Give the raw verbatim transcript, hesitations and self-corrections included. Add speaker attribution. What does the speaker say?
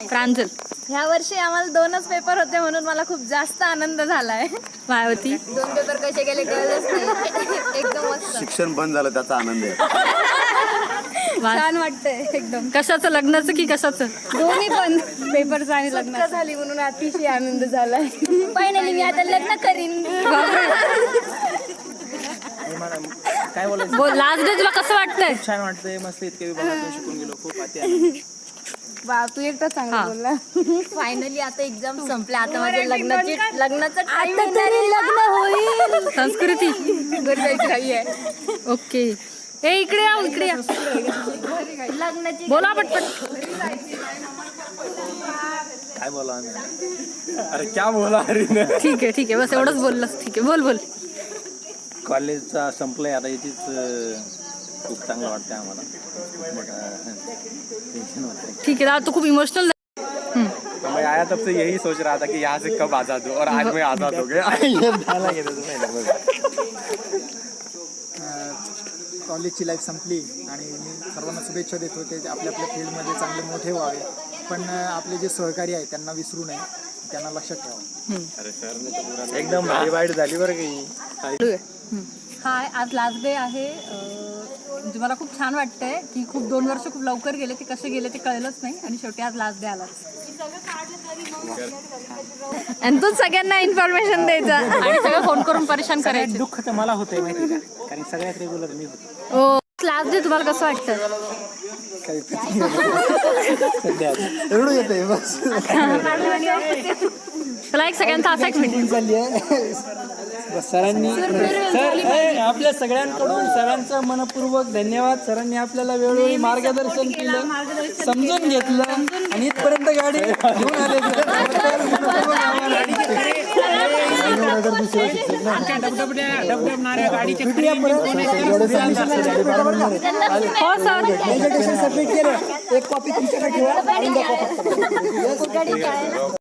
Speaker 1: प्रांजल,
Speaker 2: ह्या वर्षी आम्हाला दोनच पेपर होते म्हणून मला खूप जास्त आनंद झालाय.
Speaker 1: मायावती,
Speaker 2: दोन पेपर कसे गेले कळलंच नाही. एकदम मस्त.
Speaker 3: शिक्षण बंद झालं त्याचा आनंद आहे.
Speaker 2: छान वाटतंय एकदम.
Speaker 1: कशाचं, लग्नाचं की कशाचं?
Speaker 2: दोन्ही पण पेपरचा आणि लग्न झाली म्हणून अतिशय आनंद झालाय. फायनली मी आता लग्न करीन.
Speaker 4: काय बोलायचं,
Speaker 1: बोल, लास्ट डे तुला कसं वाटतंय?
Speaker 4: छान वाटतंय, मस्त इतके विभागातून शिकून गेलो, खूप आती.
Speaker 2: बा तू एकटा चांगला बोलला. फायनली आता एक्झाम संपल्या, आता माझ्या लग्नाची लग्नाचं आता तरी लग्न होईल.
Speaker 1: संस्कृती
Speaker 2: गरजेची काही आहे.
Speaker 1: ओके. ए इकडे या, इकडे या.
Speaker 2: लग्नाची
Speaker 1: बोला पटपट.
Speaker 4: काय बोला आम्ही, अरे क्या बोला अरे.
Speaker 1: ठीक आहे ठीक आहे, बस एवढंच बोललंस. ठीक आहे, बोल बोल.
Speaker 4: कॉलेजचा संपलंय आता, याचीच खूप चांगलं वाटतंय आम्हाला. टेन्शन होतं.
Speaker 1: ठीक आहे, दादा तू खूप इमोशनल.
Speaker 5: मैं आया तब से यही सोच रहा था कि यहाँ से कब आज़ाद हो, और आज मैं आज़ाद हो गया.
Speaker 6: कॉलेजची लाईफ संपली आणि मी सर्वांना शुभेच्छा देतो ते आपल्या आपल्या फील्डमध्ये चांगले मोठे व्हावे, पण आपले जे सहकारी आहेत त्यांना विसरू नये, त्यांना लक्षात ठेवा.
Speaker 5: एकदम भारी वाईट झाली बरं काही.
Speaker 1: हाय, आज लास्ट डे आहे. म्हणजे मला खूप छान वाटतंय की खूप दोन वर्ष खूप लवकर गेले, ते कसे गेले ते कळलंच नाही, आणि शेवटी आज लास्ट डे आला.
Speaker 2: आणि तू सगळ्यांना इन्फॉर्मेशन द्यायचं
Speaker 1: आणि सगळं फोन करून परेशान करायचं.
Speaker 4: दुःख तर मला होतंय माहिती का, कारण सगळ्यात रेग्युलर मी होतो.
Speaker 1: ओ, लास्ट डे तुम्हाला कसं वाटतं?
Speaker 6: एवढं येते बस.
Speaker 1: चला, एक सगळ्यांचा असा एक मिनिट.
Speaker 6: चालली आहे
Speaker 4: सरांनी सर आपल्या सगळ्यांकडून सरांचं मनपूर्वक धन्यवाद. सरांनी आपल्याला वेळोवेळी मार्गदर्शन केलं, समजून घेतलं आणि इथपर्यंत गाडी घेऊन आले.
Speaker 1: हो सर,
Speaker 6: सबमिट केलं, एक कॉपी तुमच्याकडे ठेवा.